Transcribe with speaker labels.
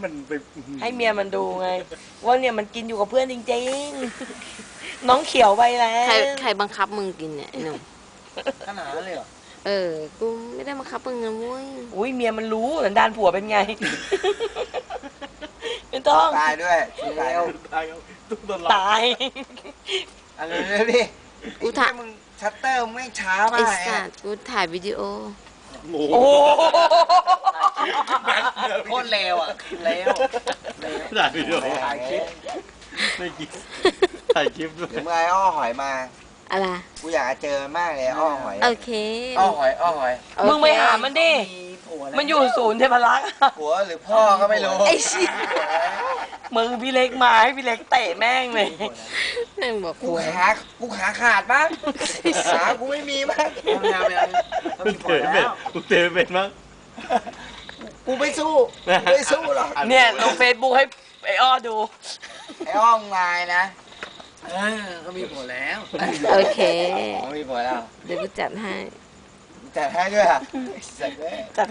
Speaker 1: มันไป
Speaker 2: ให้เมียมันดูไงว่าเนี่ยมันกินอยู่กับเพื่อนจริงๆน้องเขียวไปแล้ว
Speaker 3: ใครบังคับมึงกินเนี่ยไอ้หนุ่ม
Speaker 1: ขนาดนั้นเลยเหรอ
Speaker 3: กูไม่ได้บังคับมึงนะเว้ย
Speaker 2: อุ้ยเมียมันรู้สันดานผัวเป็นไง ไม่ต้อง
Speaker 4: ตายด้วยตาย
Speaker 1: ตายตุ๊กตา
Speaker 2: ตาย
Speaker 4: อะไรเลยดิ
Speaker 3: กูถ่าย
Speaker 4: มึงชัตเตอร์ไม่ช้า
Speaker 3: ไอ้
Speaker 4: มาก
Speaker 3: สัตว์กูถ่ายวิดีโอ
Speaker 1: โอ้
Speaker 2: โอ้
Speaker 1: โห
Speaker 4: โคตรเลวอ่ะเลว
Speaker 1: ถ่ายวิดีโอ
Speaker 4: ถ่ายคลิป
Speaker 1: ไม่กินถ่ายคลิปด้วย
Speaker 4: เดี๋ยวมึงไอ้อ้อหอยมา
Speaker 3: อะไร
Speaker 4: กูอยากจะเจอมากเลยอ้อหอย
Speaker 3: โอเค
Speaker 4: อ้อหอยอ้อหอย
Speaker 3: โอเค
Speaker 2: มึงไปหามันดิ
Speaker 4: มีผัวแล้ว
Speaker 2: มันอยู่ศูนย์เทพรักษ์
Speaker 4: ผัวหรือพ่อก็ไม่รู้
Speaker 3: ไอ้เชี่ย
Speaker 2: มึงพี่เล็กมาให้พี่เล็กเตะแม่งเลย
Speaker 3: แม่งบอก
Speaker 4: กูขาขาดบ้างขากูไม่มีบ้าง
Speaker 1: กูเตะเป็นกูเตะเป็นมั้ง
Speaker 4: กูไม่สู้ไม่สู้หรอก
Speaker 2: เนี่ยลงเฟซบุ๊กให้ไอ้อ้อดู
Speaker 4: ไอ้อ้อมงายนะ
Speaker 1: ก็มีผัวแล้ว
Speaker 3: โอเค
Speaker 4: อ๋อมีผัวแล้ว
Speaker 3: เดี๋ยวกูจัดให้
Speaker 4: จัดให้ด้วยอ่ะไอ้สัตว์เว้ย